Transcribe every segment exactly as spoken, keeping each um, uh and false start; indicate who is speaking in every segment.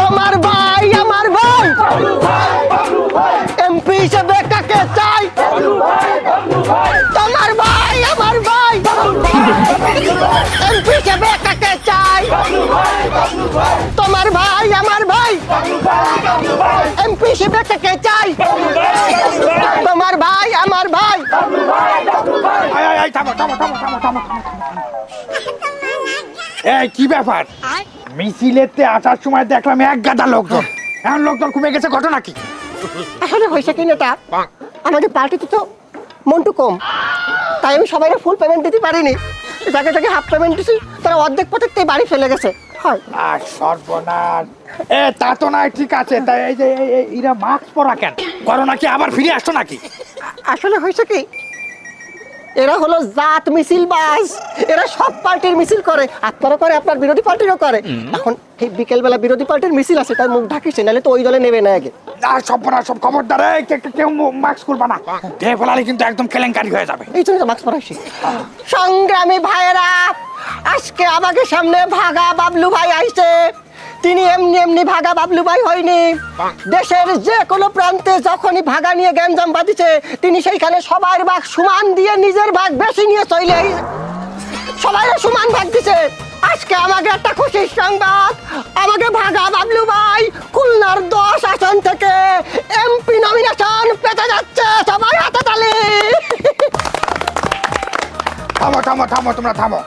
Speaker 1: তোমার ভাই আমার ভাই এমপি হিসেবে কাকে চাই? তোমার ভাই আমার ভাই এমপি হিসেবে কাকে চাই? তোমার ভাই আমার ভাই এমপি হিসেবে কাকে চাই? তোমার ভাই আমার ভাই।
Speaker 2: এই কি ব্যাপার? মিছিলেতে আসার সময় দেখলাম এক গাদা লোকজন, এখন লোকজন কমে গেছে, ঘটনা কি?
Speaker 1: আসলে হয়েছে কি নেতা, আমাদের পার্টিতে তো মন্টু কম, তাই আমি সবাই ফুল পেমেন্ট দিতে পারিনি। যাকে যাকে হাফ পেমেন্ট দিছি তারা অর্ধেক পথের থেকে বাড়ি ফেলে গেছে। হয়
Speaker 2: আর সর্বনাশ। এ তা তো নাই, ঠিক আছে, তাই এই যে এই- এই- এরা মাস্ক পরা কেন? করোনা কি আবার ফিরে আসছো নাকি?
Speaker 1: আসলে হয়েছে কি, এরা হলো জাত মিছিল বাস, এরা সব পার্টির মিছিল করে, আপনারা করে, আপনার বিরোধী পার্টিরও করে। এখন এই বিকেলবেলা বিরোধী পার্টির মিছিল আছে, তার মুখ ঢাকিছে, নাহলে তো ওই দলে নেবে না আগে।
Speaker 2: আর সর্বনাশ, সব খবরদার, এই কে- কে- কেউ মাস্ক করবা না, দেহে ফেলালে কিন্তু একদম কেলেঙ্কারি হয়ে যাবে।
Speaker 1: এই জন্য তো মাস্ক পরাইছি। সংগ্রামী ভাইয়েরা, আজকে আমাকে সামনে ভাগা বাবলু ভাই আইছে। তিনি এমনি এমনি ভাগা বাবলু ভাই হয়নি, দেশের যে কোনো প্রান্তে যখনই ভাগা নিয়ে গ্যাঞ্জাম বাঁধিছে, তিনি সেইখানে সবার ভাগ সমান দিয়ে নিজের ভাগ বেশি নিয়ে চলে সবাই সমান ভাগ দিছে। আজকে আমাকে একটা খুশির সংবাদ, আমাকে ভাগা বাবলু ভাই খুলনার দশ আসন থেকে এমপি নমিনেশন পেতে যাচ্ছে। সবাই হাতে তালি।
Speaker 2: থামো থামো থামো, তোমরা থামো।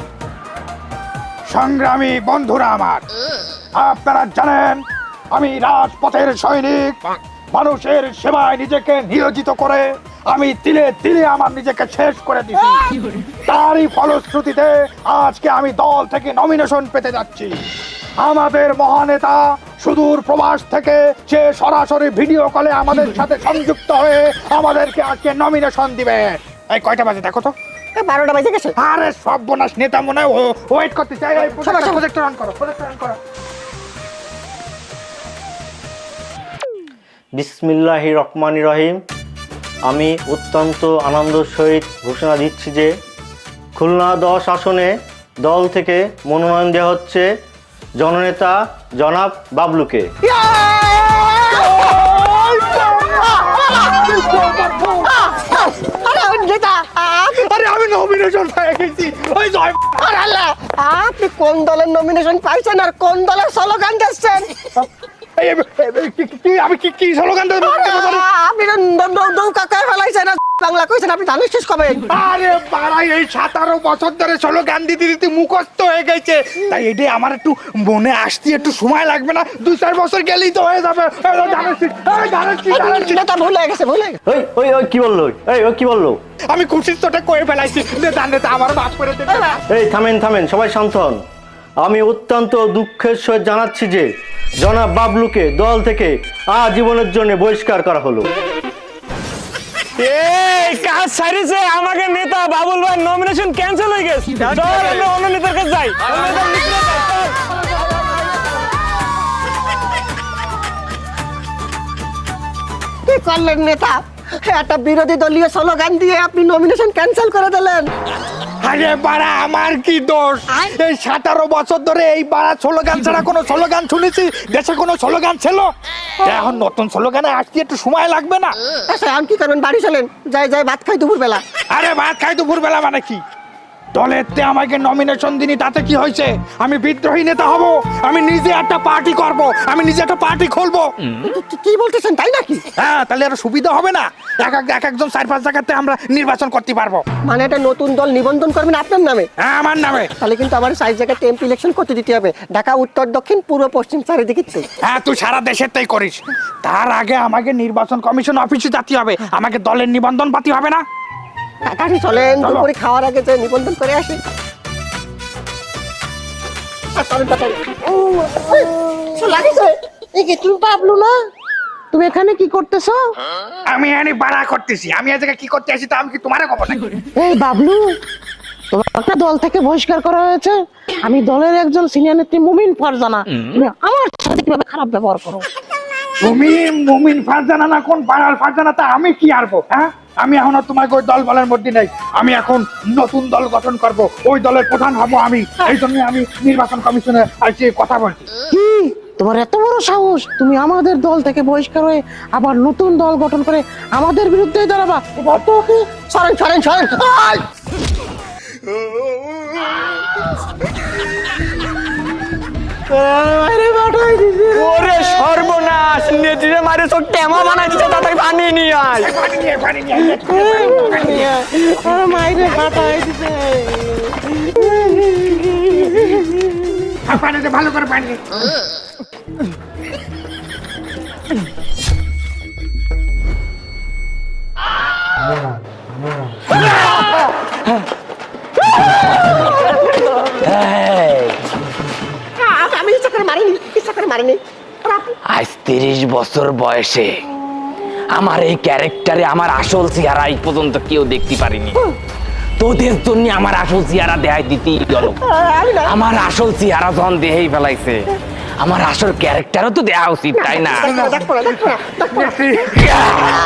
Speaker 2: সংগ্রামী বন্ধুরা আমার, আপনারা জানেন আমি রাজপথের সৈনিক, মানুষের সেবায় নিজেকে নিয়োজিত করে আমি তিলে তিলে আমার নিজেকে শেষ করে দিছি। তারই ফলশ্রুতিতে আজকে আমি দল থেকে নমিনেশন পেতে যাচ্ছি। আমাদের মহানেতা সুদূর প্রবাস থেকে সে সরাসরি ভিডিও কলে আমাদের সাথে সংযুক্ত হয়ে আমাদেরকে আজকে নমিনেশন দিবে। এই কয়টা বাজে দেখো তো?
Speaker 1: বারোটা বাজে গেছে।
Speaker 2: আরে সর্বনাশ, নেতা মনে হয় ওয়েট করতে চাই। প্রজেক্টর অন করো, প্রজেক্টর অন করো।
Speaker 3: বিসমিল্লাহির রহমানির রহিম। আমি অত্যন্ত আনন্দের সহিত ঘোষণা দিচ্ছি যে খুলনা দশ আসনে দল থেকে মনোনয়ন দেওয়া হচ্ছে জননেতা জনাব বাবলুকে।
Speaker 2: আরে আমি নমিনেশন পেয়ে গেছি। ওই জয়।
Speaker 1: আরে আল্লাহ, আপনি কোন দলের নমিনেশন পাইছেন আর কোন দলের স্লোগান দিচ্ছেন?
Speaker 2: এই, এই, এই, কি- কি- কি- আমি কি কি স্লোগান দেব?
Speaker 1: আপনি নৌকা কে ফেলাইছেন, বাংলা কইছেন, আপনি ধানের শেষ কবে?
Speaker 2: আরে বাড়াই, এই সাতারো বছর ধরে স্লোগান দিতে দিতে মুখস্থ হয়ে গেছে, তাই এটাই আমার একটু মনে আসতে একটু সময় লাগবে না, দুই চার বছর গেলেই তো হয়ে যাবে। এই, এই, ধানের শীষ, এই, ধানের শীষ, ধানের শীষ।
Speaker 1: নেতা ভুলে গেছে, ভুলে গেছে।
Speaker 3: ওই ওই ওই কি বললো? এই ওই কি বললো?
Speaker 2: আমি খুশির চোটে কয়ে ফেলাইছি, নেতা নেতা আমার মাফ করে দেবে।
Speaker 3: এই থামেন থামেন, সবাই শান্ত হন। আমি অত্যন্ত দুঃখের সহিত জানাচ্ছি যে জনাব বাবলুকে দল থেকে আজীবনের জন্য বহিষ্কার করা হলো।
Speaker 4: এই কাজ সারিছে, আমাকে নেতা বাবুল ভাই নমিনেশন ক্যান্সেল হয়ে গেছে। চল আমরা অন্য নেতার কাছে যাই। অন্য নেতার কাছে যাই, চল।
Speaker 1: কি করলেন নেতা? একটা বিরোধী দলীয় স্লোগান দিয়ে আপনি নমিনেশন ক্যান্সেল করে দিলেন।
Speaker 2: আরে বাড়া, আমার কি দোষ? এই সাতারো বছর ধরে এই বাড়া স্লোগান ছাড়া কোনো স্লোগান শুনেছি? দেশে কোনো স্লোগান ছিল? এখন নতুন স্লোগানে আসতে একটু সময় লাগবে না?
Speaker 1: আচ্ছা, আমি কি করবেন? বাড়ি চলেন, যাই যাই ভাত খাই দুপুর বেলা।
Speaker 2: আরে ভাত খাই দুপুর বেলা মানে কি? দলেতে আমাকে নমিনেশন দিনি, তাতে কি হয়েছে? আমি বিদ্রোহী নেতা হব, আমি নিজে একটা পার্টি করব, আমি নিজে একটা পার্টি খুলবো।
Speaker 1: কি- কি বলতেছেন, তাই নাকি?
Speaker 2: হ্যাঁ, তাহলে আরো সুবিধা হবে না? এক এক এক একজন চার পাঁচ জায়গাতে আমরা নির্বাচন করতে পারবো।
Speaker 1: মানে একটা নতুন দল নিবন্ধন করবেন আপনার নামে?
Speaker 2: হ্যাঁ, আমার নামে।
Speaker 1: তাহলে কিন্তু আমার সাইজ জায়গায় এমপি ইলেকশন করতে দিতে হবে, ঢাকা উত্তর দক্ষিণ পূর্ব পশ্চিম চারিদিকে।
Speaker 2: হ্যাঁ, তুই সারা দেশের তাই করিস। তার আগে আমাকে নির্বাচন কমিশন অফিসে যেতে হবে, আমাকে দলের নিবন্ধন পাতি হবে না?
Speaker 1: তাড়াতাড়ি চলেন,
Speaker 2: চলো।
Speaker 1: দুপুরে খাওয়ার আগে যে নিবন্ধন করে আসি। আ, চলেন, তাড়াতাড়ি। ও, এই, কিছু লাগিছে? এই কি তুমি বাবলু না? তুমি এখানে কি করতেছো?
Speaker 2: আমি এখানে বাড়া করতেছি, আমি আজকে কি করতে আসি তা আমি কি তোমার খবর নাকি?
Speaker 5: এই বাবলু, তোমাকে দল থেকে বহিষ্কার করা হয়েছে। আমি দলের একজন সিনিয়র নেত্রী মুমিন ফারজানা, তুমি আমার সাথে কিভাবে খারাপ ব্যবহার করো?
Speaker 2: তুমি মুমিন ফারজানা না কোন পাড়ার ফারজানা, তা আমি কি আরবো? হ্যাঁ, আমি এখন আর তোমাকে ওই দল বলের মধ্যে নেই। আমি এখন নতুন দল গঠন করব, ওই দলের প্রধান হব আমি। এই জন্য আমি নির্বাচন কমিশনে আসছি কথা বলছি।
Speaker 5: কি তোমার এত বড় সাহস, তুমি আমাদের দল থেকে বহিষ্কার হয়ে আবার নতুন দল গঠন করে আমাদের বিরুদ্ধে দাঁড়াবা? এবার তো ওকে
Speaker 1: সরেন সরেন সরেন আয়!
Speaker 4: ওরে সর্বনাশ, নেত্রীরে মারে চোখ টেমা বানাই দিচ্ছে, তাড়াতাড়ি পানি নিয়ে আয়।
Speaker 2: পানি নিয়ে পানি নিয়ে আয়।
Speaker 5: আর মাইরে ফাটাই দিছে।
Speaker 2: আর পানি দে, ভালো করে পানি দে।
Speaker 1: আ- আমি ইচ্ছা করে মারিনি, ইচ্ছা করে মারিনি। আর আপনি-
Speaker 6: আজ তিরিশ বছর বয়সে আমার এই ক্যারেক্টারে আমার আসল চেহারা এই পর্যন্ত কেউ দেখতে পারিনি। তোদের জন্য আমার আসল চেহারা দেখাই দিতেই গেল।
Speaker 1: আমি না।
Speaker 6: আমার আসল চেহারা যখন দেহেই ফেলাইছে, আমার আসল ক্যারেক্টারও তো দেওয়া উচিত, তাই না?
Speaker 1: দেখবো না, দেখবো না, দেখবো না, দেখবো না।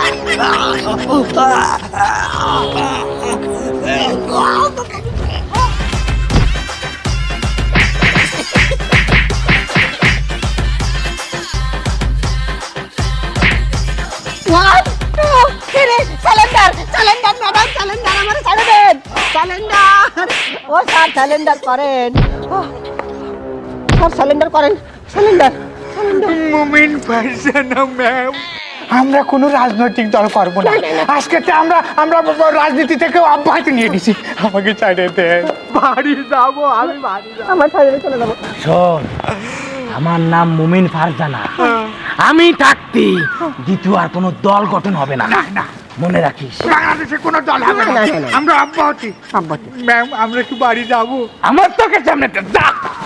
Speaker 1: One, two, three, cylinder, cylinder, madam, cylinder, আমার ছেড়ে দেন। Cylinder, ও স্যার cylinder করেন। আহ, স্যার cylinder করেন, cylinder, cylinder।
Speaker 2: মুমিন ফারজানা ম্যাম, আমরা কোনো রাজনৈতিক দল করব না। আজকে তো আমরা আমরা রাজনীতি থেকে অব্যাহতি নিয়ে নিছি। আমাকে ছেড়ে দেন, বাড়ি যাবো, আমি বাড়ি যাবো।
Speaker 1: আমার ছেড়ে চলে যাবো।
Speaker 6: শোন, আমার নাম মুমিন ফারজানা। আমি থাকতে দ্বিতীয় আর কোনো দল গঠন হবে না,
Speaker 2: না না,
Speaker 6: মনে রাখিস।
Speaker 2: বাংলাদেশে কোনো দল হবে না,
Speaker 1: না, না, না।
Speaker 2: আমরা অব্যাহতি।
Speaker 1: অব্যাহতি।
Speaker 2: ম্যাম, আমরা একটু বাড়ি যাবো।
Speaker 6: আমার তোকে সামনে তো যা।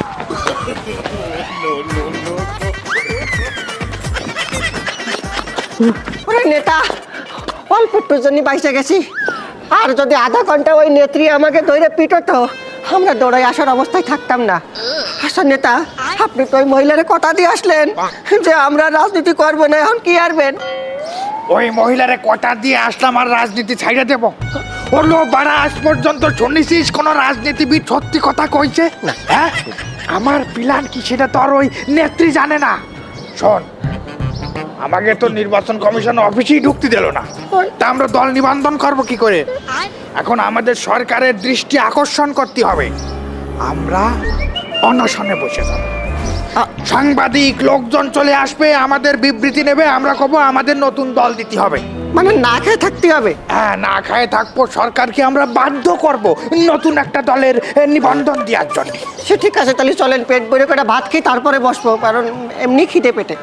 Speaker 1: ওরে নেতা, অল্প একটুর জন্য বাইসে গেছি। আর যদি আধা ঘন্টা ওই নেত্রী আমাকে ধরে পিটতো, আমরা দৌড়াই আসার অবস্থায় থাকতাম না। আচ্ছা নেতা, আপনি তো ওই মহিলার কথা দিয়ে আসলেন যে আমরা রাজনীতি করবো না, এখন কি আরবেন?
Speaker 2: ওই মহিলারে কথা দিয়ে আসলাম আর রাজনীতি ছাইড়ে দেব? হলো বাড়া, আজ পর্যন্ত শুনেছিস কোন রাজনীতিবিদ সত্যি কথা কইছে? হ্যাঁ, আমার প্ল্যান কি সেটা তো আর ওই নেত্রী জানে না। শোন, আমাকে তো নির্বাচন কমিশন অফিসেই ঢুকতে দিল না, তা আমরা দল নিবন্ধন করব কি করে? এখন আমাদের সরকারের দৃষ্টি আকর্ষণ করতে হবে। আমরা অনশনে বসে যাব, সাংবাদিক লোকজন চলে আসবে, আমাদের বিবৃতি নেবে, আমরা কব আমাদের নতুন দল দিতে হবে।
Speaker 1: মানে না খেয়ে থাকতে হবে?
Speaker 2: হ্যাঁ, না খায় থাকবো, সরকারকে আমরা বাধ্য করব নতুন একটা দলের এ, নিবন্ধন দেওয়ার জন্য।
Speaker 1: সে ঠিক আছে, তাহলে চলেন পেট ভরে করে ভাত খেয়ে তারপরে বসবো, কারণ এমনি খিদে পেটে।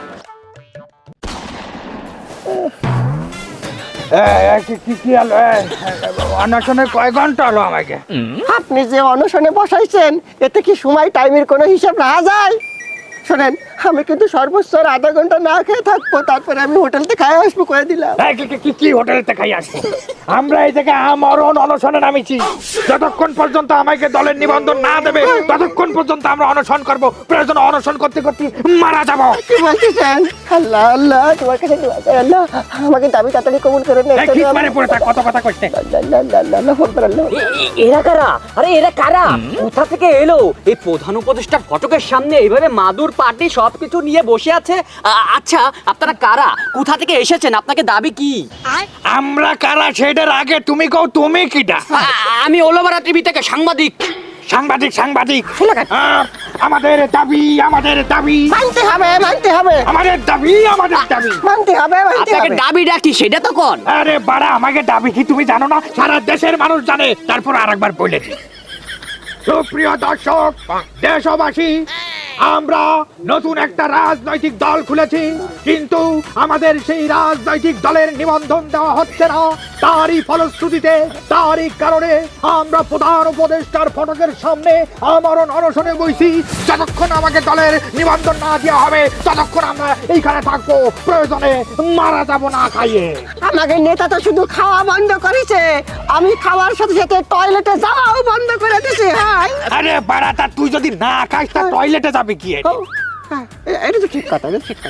Speaker 2: কি কি হলো? অনশনে কয় ঘন্টা হলো আমাকে?
Speaker 1: আপনি যে অনশনে বসাইছেন, এতে কি সময় টাইমের কোনো হিসাব রাখা যায়? শোনেন, আমি কিন্তু সর্বোচ্চ আর আধা ঘন্টা না খেয়ে থাকবো, তারপরে আমি হোটেল থেকে খাই আসবো করে দিলাম।
Speaker 2: এই, কি- কি- কি কি হোটেলেতে খাই আসবো? আমরা এই থেকে আমরণ অনশনে নামিছি। যতক্ষণ পর্যন্ত আমাকে দলের নিবন্ধন না দেবে, ততক্ষণ পর্যন্ত আমরা অনশন করব। প্রয়োজন অনশন করতে করতে মারা যাব।
Speaker 1: কি বলতেছেন? আল্লাহ আল্লাহ, তোমার কাছে দোয়া চাই, আল্লাহ আমাকে দাবি তাড়াতাড়ি কবুল করে নেন।
Speaker 2: এই, ঠিক মানে পড়ে থাক, কত কথা কইতে।
Speaker 1: আল্লাহ আল্লাহ আল্লাহ আল্লাহ আল্লাহ আকবার, আল্লাহ আকবার।
Speaker 7: এ- এরা কারা? আরে এরা কারা? কোথা থেকে এলো? এই প্রধান উপদেষ্টার ফটকের সামনে এইভাবে মাদুর পাটি সবকিছু নিয়ে বসে আছে। আ- আচ্ছা, আপনারা কারা? কোথা থেকে এসেছেন? আপনাকে দাবি কি?
Speaker 2: আমরা কারা সেটার আগে তুমি কও, তুমি কিটা?
Speaker 7: আ- আমি ওলোবারা টিভি থেকে সাংবাদিক।
Speaker 2: সাংবাদিক সাংবাদিক আহ, আমাদের দাবি, আমাদের দাবি,
Speaker 1: মানতে হবে, মানতে হবে,
Speaker 2: আমাদের দাবি, আমাদের দাবি।
Speaker 1: মানতে হবে, মানতে
Speaker 7: আপনাকে
Speaker 1: হবে।
Speaker 7: দাবি ডাকি সেটা তো কোন?
Speaker 2: আরে বাড়া, আমাকে দাবি কি তুমি জানো না? সারা দেশের মানুষ জানে, তারপর আরেকবার বলেছি। সুপ্রিয় দর্শক, দেশবাসী, আমরা নতুন একটা রাজনৈতিক দল খুলেছি, কিন্তু আমাদের সেই রাজনৈতিক দলের নিবন্ধন দেওয়া হচ্ছে না। তারই ফলশ্রুতিতে, তারই কারণে আমরা প্রধান উপদেষ্টার ফটকের সামনে আমরণ অনশনে বইছি। যতক্ষণ আমাকে দলের নিবন্ধন না দেওয়া হবে, ততক্ষণ আমরা এইখানে থাকবো, প্রয়োজনে মারা যাব না খাইয়ে।
Speaker 1: আমাকে নেতা তো শুধু খাওয়া বন্ধ করেছে, আমি খাওয়ার সাথে সাথে টয়লেটে যাওয়াও বন্ধ করে দিছি। হ্যাঁ,
Speaker 2: আরে বাড়া, তা তুই যদি না খাইস তা টয়লেটে যাবে কি?
Speaker 1: ও, হ্যাঁ, এ- এটা তো ঠিক কথা, এটা ঠিক কথা।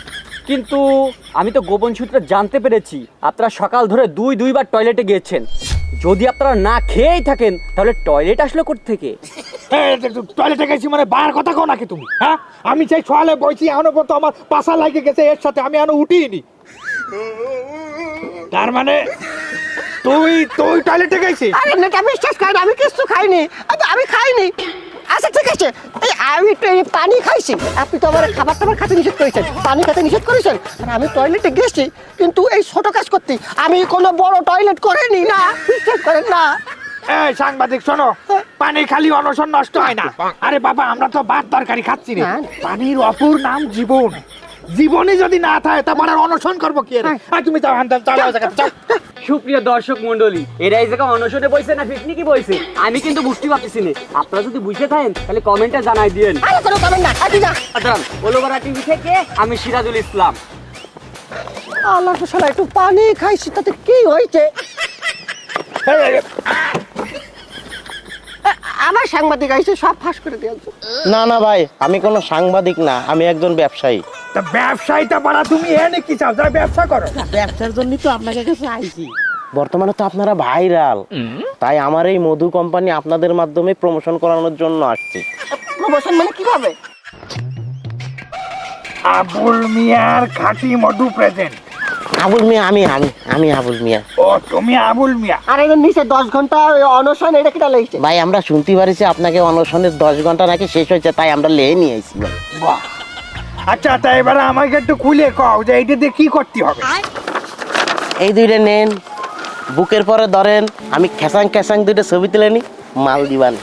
Speaker 7: কিন্তু আমি তো গোপন সূত্রে জানতে পেরেছি আপনারা সকাল ধরে দুই দুইবার টয়লেটে গিয়েছেন। যদি আপনারা না খেয়েই থাকেন তাহলে টয়লেট আসলো কোত্থেকে?
Speaker 2: টয়লেটে গেছি মানে বার কথা কও নাকি তুমি? হ্যাঁ, আমি সেই সোয়ালে বইছি এখনো পর্যন্ত আমার পাশা লাগে গেছে এর সাথে, আমি এখনো উঠিনি। তার মানে তুই তুই টয়লেটে গেছিস?
Speaker 1: আরে নেতা বিশ্বাস করেন আমি কিছু খাইনি, আমি- আমি খাইনি। আচ্ছা ঠিক আছে, এই আমি একটু এই পানি খাইছি, আপনি তো আমার খাবার টাবার খেতে নিষেধ করেছেন, পানি খেতে নিষেধ করেছেন, আর আমি টয়লেটে গেছি কিন্তু এই ছোট কাজ করতে আমি কোনো বড় টয়লেট করিনি না, বিশ্বাস করেন না।
Speaker 2: এই সাংবাদিক শোনো, পানি খালি অনশন নষ্ট হয় না। আরে বাবা, আমরা তো ভাত তরকারি খাচ্ছি রে। পানির অপর নাম জীবন। জীবনই যদি না থাকে তারপর আর অনশন করবো কি রে? আর তুমি যাও হান্দাল চালাও জায়গা যাও।
Speaker 7: সুপ্রিয় দর্শক মন্ডলী, এরা এই জায়গায় অনশনে বইছে না পিকনিকে বইছে আমি কিন্তু বুঝতে পারতেছি না। আপনারা যদি বুঝে থাকেন তাহলে কমেন্টে জানাই দিয়েন।
Speaker 1: আরে কোনো করেন না, আপনি যা।
Speaker 7: আচ্ছা, ওলোবারা টিভি থেকে আমি সিরাজুল ইসলাম।
Speaker 1: আল্লাহ তো শালা একটু পানি খাইছি তাতে কি হয়েছে?
Speaker 2: এই, এই, এই,
Speaker 1: আ- আমার সাংবাদিক আইছে সব ফাঁস করে দিয়েছে।
Speaker 3: না না ভাই, আমি কোনো সাংবাদিক না, আমি একজন ব্যবসায়ী।
Speaker 2: তা ব্যবসায়ীটা বাড়া তুমি এনে কি চাও? যারা ব্যবসা করো।
Speaker 5: ব্যবসার জন্যই তো আপনাকে কাছে আইছি।
Speaker 3: বর্তমানে তো আপনারা ভাইরাল, তাই আমার এই মধু কোম্পানি আপনাদের মাধ্যমে প্রমোশন করানোর জন্য আসছি।
Speaker 1: প্রমোশন মানে কিভাবে?
Speaker 2: আবুল মিয়ার খাঁটি মধু প্রেজেন্ট।
Speaker 3: আবুল মিয়া, আমি আমি আমি আবুল মিয়া।
Speaker 2: ও তুমি আবুল মিয়া?
Speaker 1: আর এদের নিচে দশ ঘন্টা ওই অনশন, এটা কিটা লেগেছে?
Speaker 3: ভাই আমরা শুনতে পারিছি আপনাকে অনশনের দশ ঘন্টা নাকি শেষ হয়েছে, তাই আমরা লেয়ে নিয়ে আইছি ভাই।
Speaker 2: বাহ। আচ্ছা, তাই এবার আমাকে একটু খুলে কও যে এইটা দিয়ে কি করতে হবে।
Speaker 3: এই দুইটা নেন, বুকের পরে ধরেন, আমি খেসাং খেসাং দুইটা ছবি তুলে নি, মাল দিবান।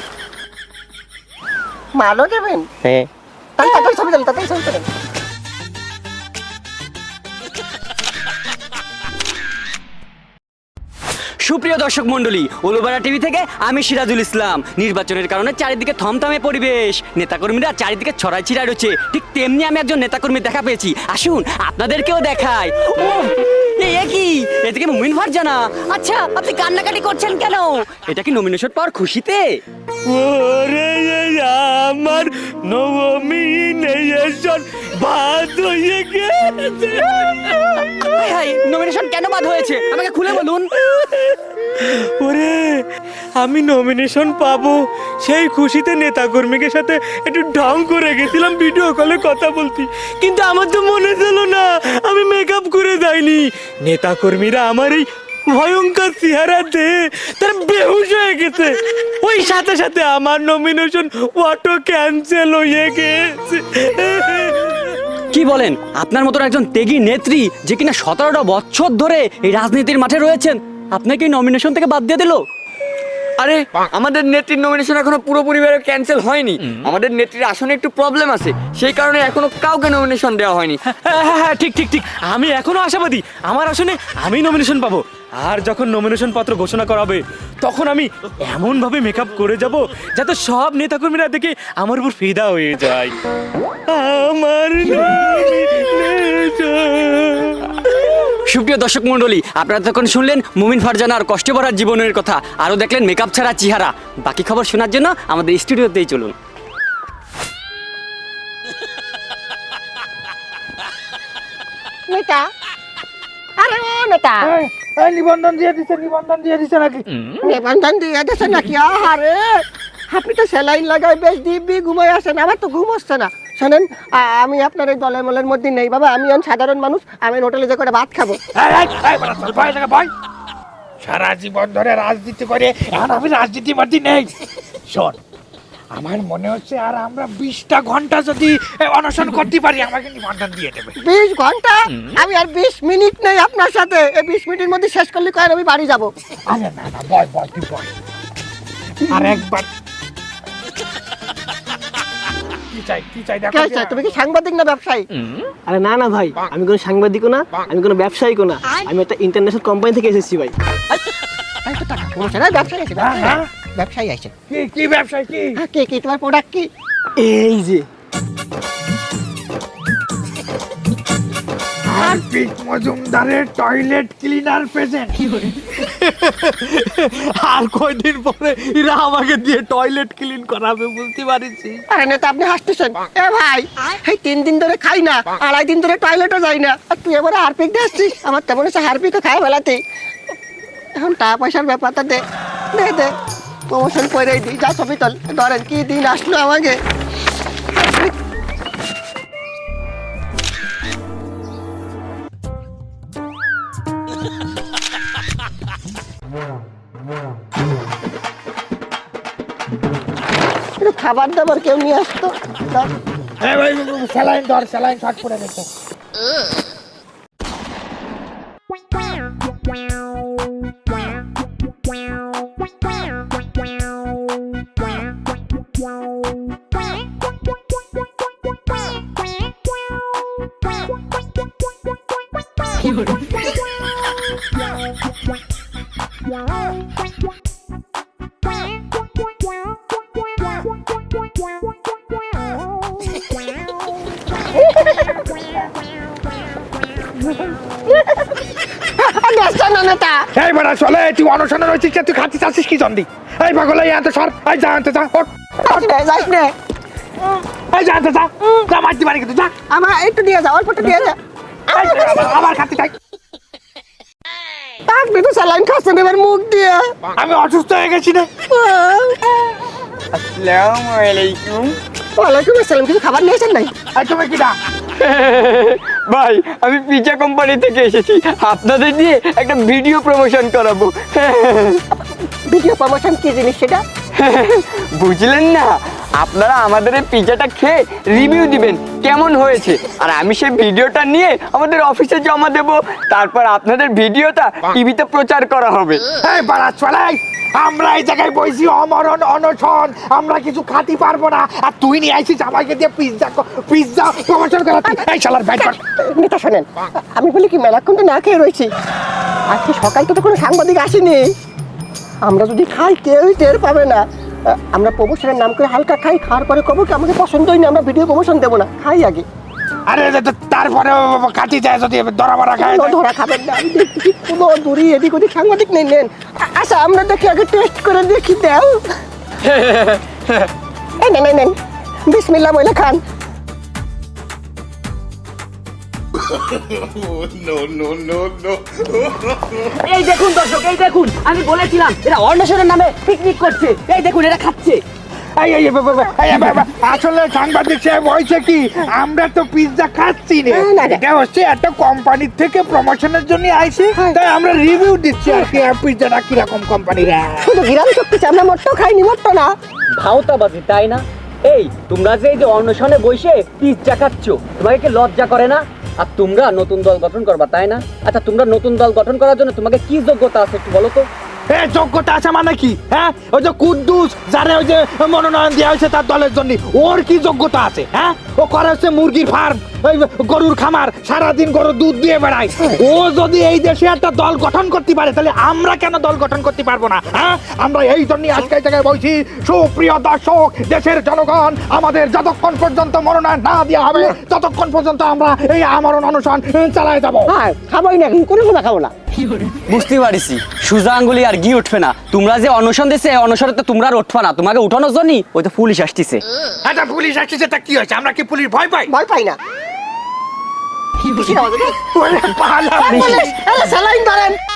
Speaker 1: মালও দেবেন?
Speaker 3: হ্যাঁ।
Speaker 1: তাই তাই ছবি দেন, তাই ছবি দেন।
Speaker 7: সুপ্রিয় দর্শক মন্ডলী, ওলোবারা টিভি থেকে আমি সিরাজুল ইসলাম। নির্বাচনের কারণে চারিদিকে থমথমে পরিবেশ, নেতাকর্মীরা চারিদিকে ছড়াই ছিড়াই রয়েছে। ঠিক তেমনি আমি একজন নেতাকর্মী দেখা পেয়েছি, আসুন আপনাদেরকেও দেখাই। ও এই এ কি, এদিকে মুমিন ফারজানা। আচ্ছা, আপনি কান্নাকাটি করছেন কেন? এটা কি নমিনেশন পাওয়ার খুশিতে?
Speaker 4: ওরে এই আমার নমিনেশন বাদ হয়ে গেছে।
Speaker 7: নমিনেশন কেন বাদ হয়েছে আমাকে খুলে বলুন।
Speaker 4: ওরে, আমি নমিনেশন পাবো সেই খুশিতে নেতাকর্মীদের সাথে একটু ঢং করে গেছিলাম ভিডিও কলে কথা বলতে, কিন্তু আমার তো মনে ছিল না আমি মেকআপ করে যাইনি। নেতাকর্মীরা আমার এই ভয়ঙ্কর চেহারাতে তার বেহুশ হয়ে গেছে, ওই সাথে সাথে আমার নমিনেশন অটো ক্যান্সেল হয়ে গেছে।
Speaker 7: কি বলেন, আপনার মতন একজন ত্যাগী নেত্রী যে কিনা সতেরোটা বছর ধরে এই রাজনীতির মাঠে রয়েছেন, আপনাকে এই নমিনেশন থেকে বাদ দিয়ে দিল?
Speaker 8: আরে আমাদের নেত্রীর নমিনেশন এখনো পুরোপুরি ক্যান্সেল হয়নি। আমাদের নেত্রীর আসনে একটু প্রবলেম আছে, সেই কারণে এখনো কাউকে নমিনেশন দেওয়া হয়নি।
Speaker 4: হ্যাঁ হ্যাঁ হ্যাঁ, ঠিক ঠিক ঠিক, আমি এখনো আশাবাদী আমার আসনে আমি নমিনেশন পাবো। আর যখন নমিনেশন পত্র ঘোষণা করা হবে তখন আমি এমন ভাবে মেকআপ করে যাব যাতে সব নেতাকর্মীরা দেখে আমার উপর ফিদা হয়ে যায়। আমার
Speaker 7: সুপ্রিয় দর্শক মন্ডলী, আপনারা তখন শুনলেন মুমিন ফারজানার কষ্ট ভরা জীবনের কথা, আরও দেখলেন মেকআপ ছাড়া চেহারা। বাকি খবর শোনার জন্য আমাদের স্টুডিওতেই চলুন।
Speaker 1: নেতা, আরে ও নেতা,
Speaker 2: এই, এই নিবন্ধন দিয়ে দিছে, নিবন্ধন দিয়ে দিছে নাকি?
Speaker 1: নিবন্ধন দিয়ে দিয়েছে নাকি? আরে আপনি তো স্যালাইন লাগাই বেশ দিব্যি ঘুমাই আসেন, আমার তো ঘুম হচ্ছে না। শোনেন, আ- আমি আপনার এই দলের মলের মধ্যে নেই বাবা, আমি এখন সাধারণ মানুষ, আমি হোটেলে যে করে ভাত খাবো।
Speaker 2: এই, এই, এই, বাড়া, চল, ভয় লাগে, ভয়। সারা জীবন ধরে রাজনীতি করে এখন আমি রাজনীতির মধ্যে নেই। শোন, আমার মনে হচ্ছে আর আমরা বিশটা ঘন্টা যদি এ, অনশন করতে পারি আমাকে নিবন্ধন দিয়ে দেবে।
Speaker 1: বিশ ঘন্টা? আমি আর বিশ মিনিট নেই আপনার সাথে, এই বিশ মিনিটের মধ্যে শেষ করলে কয়েন আমি বাড়ি যাবো।
Speaker 2: আরে না না, বয় বয় তুই বয়। আর একবার কি চাই কি চাই দেখো।
Speaker 1: কে আছে? তুমি কি সাংবাদিক না ব্যবসায়ী?
Speaker 9: আরে না না ভাই, আমি কোনো সাংবাদিকও না, আমি কোনো ব্যবসায়িকও না, আমি একটা ইন্টারন্যাশনাল কোম্পানি থেকে এসেছি ভাই।
Speaker 1: এই তো টাকা কমছে না, ব্যবসায়ী আছে,
Speaker 2: হ্যাঁ, হ্যাঁ।
Speaker 1: ব্যবসায়ী আছে।
Speaker 2: কি কি ব্যবসায় কি?
Speaker 1: হ্যাঁ, কি কি তোমার প্রোডাক্ট কি?
Speaker 9: এই যে
Speaker 2: হারপিক মজুমদারের টয়লেট ক্লিনার প্রেজেন্ট।
Speaker 4: আর কয়দিন পরে এরা আমাকে দিয়ে টয়লেট ক্লিন করাবে বুঝতে পারিস।
Speaker 1: আরে নেতা আপনি হাসতেছেন? এ ভাই, এই তিন দিন ধরে খাই না, আড়াই দিন ধরে টয়লেটও যাই না, আর তুই এবারে হারপিক দিয়ে আসছিস? আমার তেমন হচ্ছে হারপিকও খায় বেলাতে। এখন টাকা পয়সার ব্যাপারটা দে দে দে প্রমোশন করেই দিই। যা ছবি তোল, ধরেন কি দিন আসলো আমাকে। একটু খাবার দাবার কেউ নিয়ে আসতো। দাও।
Speaker 2: এই ভাই স্যালাইন ধর, স্যালাইন শর্ট পড়ে গেছে।
Speaker 1: গ্যাসটা না নেতা।
Speaker 2: এই বড়া চলে, তুই অনশনে রয়েছিস, তুই খাচ্ছিস আসিস কি জন্দি? এই পাগল, এই আনতে সর, এই যা আনতে যা, ওঠ।
Speaker 1: যাস নে, যাস নে।
Speaker 2: এই যা আনতে যা, যা মারতে পারি কিন্তু যা।
Speaker 1: আমার একটু দিয়ে যা, অল্প একটু দিয়ে যা।
Speaker 2: এই যা, আবার- আবার খাচ্ছি তাই।
Speaker 1: আপনি তো স্যালাইন খাচ্ছেন এবার মুখ দিয়ে।
Speaker 2: আমি অসুস্থ হয়ে গেছি রে।
Speaker 8: আসসালামু আলাইকুম।
Speaker 1: ওয়ালাইকুম আসসালাম। কিছু খাবার নিয়েছেন নাই?
Speaker 2: এই তুমি কি না?
Speaker 8: ভাই আমি পিজা কোম্পানি থেকে এসেছি, আপনাদের দিয়ে একটা ভিডিও প্রমোশন করাবো।
Speaker 1: ভিডিও প্রমোশন কি জিনিস সেটা?
Speaker 8: বুঝলেন না? আপনারা আমাদের এই পিজাটা খেয়ে রিভিউ দিবেন কেমন হয়েছে, আর আমি সেই ভিডিওটা নিয়ে আমাদের অফিসে জমা দেব। তারপর আপনাদের ভিডিওটা টিভিতে প্রচার করা হবে।
Speaker 2: এই বাড়া চলে, আমরা এই জায়গায় বইছি অমরণ অনশন, আমরা কিছু খাতে পারবো না, আর তুই নিয়ে আইছিস আমাকে দিয়ে পিজ্জা পিজ্জা প্রমোশন করাতে। এই শালার ব্যাট কর।
Speaker 1: নেতা শোনেন, আমি বলি কি মেলাক্ষণ তো না খেয়ে রয়েছি, আজকে সকাল তো কোনো সাংবাদিক আসেনি। আমরা যদি খাই কেউই টের পাবে না। আহ, আমরা প্রমোশনের নাম করে হালকা খাই, খাওয়ার পরে কবো কি আমাকে পছন্দ হয়নি, আমরা ভিডিও প্রমোশন দেবো না, খাই আগে।
Speaker 2: আরে তারপরে কাটি যায় যদি ধরা মারা খায়।
Speaker 1: কোনো ধরা খাবেন না, আমি দেখছি কোনো দূরে এদিক ওদিক সাংবাদিক নেই। নেন আ- আচ্ছা আমরা দেখি আগে টেস্ট করে দেখি, দেও। এই নেন এই নেন, বিসমিল্লাহ বলে খান।
Speaker 7: এই দেখুন দর্শক, এই দেখুন, আমি বলেছিলাম এরা অন্বেষণের নামে পিকনিক করছে। এই দেখুন এরা খাচ্ছে।
Speaker 2: এই এই বা- বা- বা- এই বা- বা- আসলে সাংবাদিক সাহেব হয়েছে কি, আমরা তো পিজ্জা খাচ্ছি না,
Speaker 1: না, না, না।
Speaker 2: এটা হচ্ছে একটা কোম্পানির থেকে প্রমোশনের জন্য আইছে, তাই আমরা রিভিউ দিচ্ছি আর কি পিজ্জাটা কিরকম কোম্পানির।
Speaker 1: শুধু গিরাম চুক্তি আমরা মোট্টো খাইনি, মোট্টো না।
Speaker 7: ভাওতাবাজি তাই না? এই তোমরা যে এই যে অন্বেষণে বসে পিজ্জা খাচ্ছ, তোমাকে কি লজ্জা করে না? আর তোমরা নতুন দল গঠন করবা তাই না? আচ্ছা তোমরা নতুন দল গঠন করার জন্য তোমাকে কি যোগ্যতা আছে একটু বলো তো।
Speaker 2: এ যোগ্যতা আছে মানে কি? হ্যাঁ, ওই যে কুদ্দুস যারে ওই যে মনোনয়ন দেওয়া হয়েছে তার দলের জন্য, ওর কি যোগ্যতা আছে? হ্যাঁ, ও করে হচ্ছে মুরগির ফার্ম, ওই গরুর খামার, সারাদিন গরুর দুধ দিয়ে বেড়ায়। ও যদি এই দেশে একটা দল গঠন করতে পারে, তাহলে আমরা কেন দল গঠন করতে পারবো না? হ্যাঁ, আমরা এই জন্যই আজকে এই জায়গায় বলছি, সুপ্রিয় দর্শক, দেশের জনগণ, আমাদের যতক্ষণ পর্যন্ত মনোনয়ন না দেওয়া হবে ততক্ষণ পর্যন্ত আমরা এই আমরণ অনশন চালায় যাবো।
Speaker 1: হ্যাঁ খাবোই না, কিন্তু কোনো কথা খাবো না।
Speaker 7: বুঝতে পারিছি, সুজা আঙ্গুলি আর ঘি উঠবে না। তোমরা যে অনশন দিছে অনশনে তো তোমরা আর উঠবা না, তোমাকে উঠানোর জন্যই ওই তো পুলিশ আসতেছে।
Speaker 2: এটা পুলিশ আসছে, তা কি হয়েছে? আমরা কি পুলিশ ভয় পাই?
Speaker 1: ভয় পাই না। কিসের আওয়াজ এটা?
Speaker 2: ওরে পালা।
Speaker 1: পুলিশ, আরে স্যালাইন ধরেন।